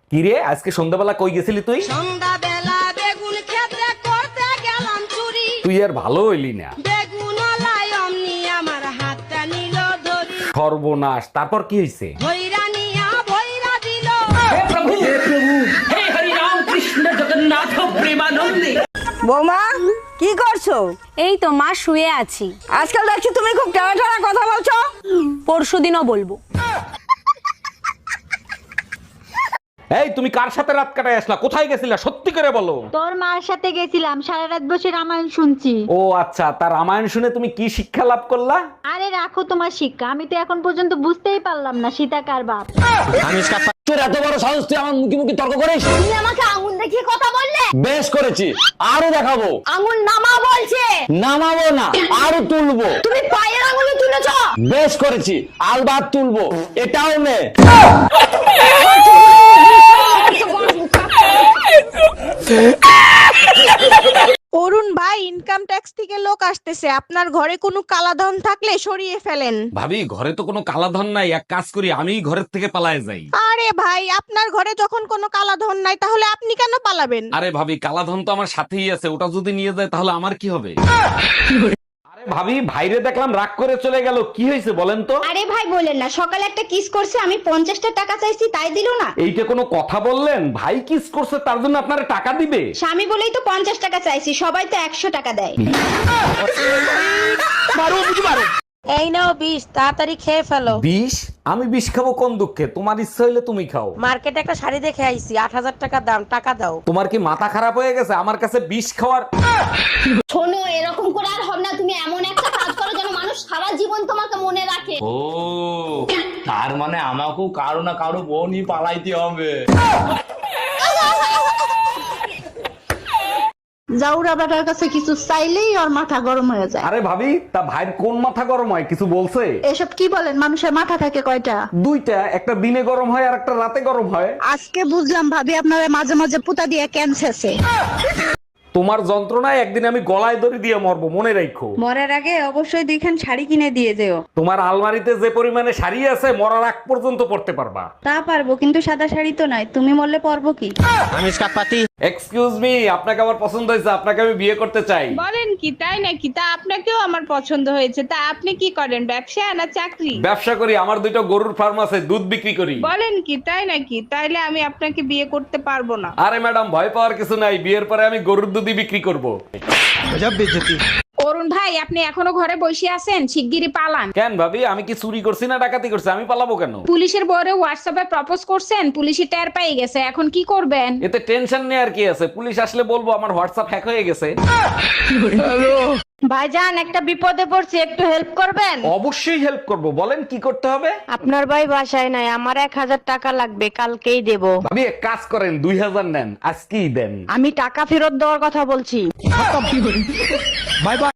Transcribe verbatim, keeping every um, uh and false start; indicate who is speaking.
Speaker 1: কিরে আজকে সন্ধ্যাবেলা কই গেছিলি তুই?
Speaker 2: সন্ধ্যাবেলা বেগুন ক্ষেত্রে করতে গেলাম চুরি।
Speaker 1: তুই আর ভালো হইলি না।
Speaker 2: বেগুন লাই অমনি আমার হাতটা নিল ধরি।
Speaker 1: সর্বনাশ, তারপর কি হইছে?
Speaker 2: ভৈরা নিয়া ভৈরা দিল।
Speaker 3: বৌমা কি করছো?
Speaker 4: এই তো মা শুয়ে আছি।
Speaker 3: আজকাল দেখছি তুমি খুব টানা টানা কথা বলছো।
Speaker 4: পরশুদিনও বলবো।
Speaker 1: এই তুমি কার সাথে রাত কাটায় আসলা? কোথায় গেছিলা সত্যি করে বলো।
Speaker 5: তোর মার সাথে গেছিলাম, সারা রাত বসে রামায়ণ শুনছি।
Speaker 1: ও আচ্ছা, তার রামায়ণ শুনে তুমি কি শিক্ষা লাভ করলা?
Speaker 5: আরে রাখো তোমার শিক্ষা, আমি তো এখন পর্যন্ত বুঝতেই পারলাম না সীতা কার বাপ।
Speaker 6: তোর এত বড় সাহস, তুই আমার মুখে মুখে তর্ক করিস?
Speaker 4: তুমি আমাকে আঙুল দেখিয়ে কথা বললে।
Speaker 6: বেশ করেছি, আরো দেখাবো।
Speaker 4: আঙুল নামা বলছে।
Speaker 6: নামাবো না, আরো তুলবো।
Speaker 4: তুমি পায়ের আঙুলে তুলেছো।
Speaker 6: বেশ করেছি, আলবাত তুলবো। এটাও নে।
Speaker 3: অরুণ ভাই, ইনকাম ট্যাক্স থেকে লোক আসতেছে, আপনার ঘরে কোনো কালাধন থাকলে সরিয়ে ফেলেন।
Speaker 1: ভাবি, ঘরে তো কোনো কালাধন নাই, এক কাজ করি আমি ঘরের থেকে পালায়ে যাই।
Speaker 3: আরে ভাই, আপনার ঘরে যখন কোনো কালাধন নাই তাহলে আপনি কেন পালাবেন?
Speaker 1: আরে ভাবি, কালাধন তো আমার সাথেই আছে, ওটা যদি নিয়ে যায় তাহলে আমার কি হবে? আরে ভাবি, ভাইরে দেখলাম রাগ করে চলে গেল, কি হয়েছে বলেন তো?
Speaker 7: আরে ভাই বলেন না, সকালে একটা কিস করছে, আমি পঞ্চাশটা টাকা চাইছি তাই দিল না।
Speaker 1: এইটা কোনো কথা বললেন? ভাই কিস করছে তার জন্য আপনারা টাকা দিবে?
Speaker 7: স্বামী বলেই তো পঞ্চাশ টাকা চাইছি, সবাই তো একশো টাকা দেয়।
Speaker 3: এই নাও বিষ, তাড়াতাড়ি খেয়ে ফেলো।
Speaker 1: বিষ? আমি বিষ খাবো কোন দুঃখে? তোমার ইচ্ছা হইলে তুমি খাও।
Speaker 3: মার্কেটে একটা শাড়ি দেখে আইছি, আট হাজার টাকা দাম, টাকা দাও।
Speaker 1: তোমার কি মাথা খারাপ হয়ে গেছে আমার কাছে বিষ খাওয়ার?
Speaker 7: শোনো, এরকম করে আর হবে না, তুমি এমন একটা কাজ করো যেন মানুষ সারা জীবন তোমাকে মনে রাখে।
Speaker 6: ও, তার মানে আমাকেও কারো না কারো বোনই পালাইতে হবে।
Speaker 5: জাউরা বেটার কাছে কিছু চাইলেই ওর মাথা গরম হয়ে যায়।
Speaker 1: আরে ভাবি, তা ভাইয়ের কোন মাথা গরম হয় কিছু বলছে?
Speaker 5: এসব কি বলেন, মানুষের মাথা থাকে কয়টা?
Speaker 1: দুইটা, একটা দিনে গরম হয় আর একটা রাতে গরম হয়।
Speaker 5: আজকে বুঝলাম ভাবি আপনারা মাঝে মাঝে পুতা দিয়ে ক্যান্সারছে।
Speaker 1: তোমার যন্ত্রণায় একদিন আমি গলায় দড়ি দিয়ে মরবো, মনে রাখো।
Speaker 3: মরার আগে অবশ্যই দুইখান শাড়ি কিনে দিয়ে যেও।
Speaker 1: তোমার আলমারিতে যে পরিমাণে শাড়ি আছে মরার আগ পর্যন্ত পড়তে পারবা।
Speaker 3: তা পারবো, কিন্তু সাদা শাড়ি তো নাই, তুমি মরলে পরবো কি?
Speaker 1: এক্সকিউজ মি, আপনাকে আমার পছন্দ হয়েছে, আপনাকে আমি বিয়ে করতে চাই।
Speaker 8: বলেন কি, তাই নাকি? তা আপনাকেও আমার পছন্দ হয়েছে। তা আপনি কি করেন, ব্যবসা না চাকরি?
Speaker 1: ব্যবসা করি, আমার দুইটা গরুর ফার্ম আছে, দুধ বিক্রি করি।
Speaker 8: বলেন কি, তাই নাকি? তাইলে আমি আপনাকে বিয়ে করতে পারবো না।
Speaker 1: আরে ম্যাডাম, ভয় পাওয়ার কিছু নাই, বিয়ের পরে আমি গরুর দুধই বিক্রি করব।
Speaker 8: অরুণ ভাই, আপনি এখনো ঘরে বসে আছেন? শিগগিরই পালান।
Speaker 1: কেন ভাবি, আমি কি চুরি করছি না ডাকাতি করছি? আমি পালাবো কেন?
Speaker 8: পুলিশের বরে হোয়াটসঅ্যাপে প্রপোজ করছেন, পুলিশই টের পেয়ে গেছে, এখন কি করবেন?
Speaker 1: এতে টেনশন নেই, কি আছে? পুলিশ আসলে বলবো আমার হোয়াটসঅ্যাপ হ্যাক হয়ে গেছে।
Speaker 3: ভাইজান, একটা বিপদে পড়ছি, একটু হেল্প করবেন?
Speaker 1: অবশ্যই হেল্প করব, বলেন কি করতে হবে?
Speaker 3: আপনার ভাই বাসায় নাই, আমার এক হাজার টাকা লাগবে, কালকেই দেব।
Speaker 1: ভাবি এক কাজ করেন, দুই হাজার নেন, আজকেই দেন।
Speaker 3: আমি টাকা ফেরত দেওয়ার কথা বলছি।
Speaker 1: Bye by.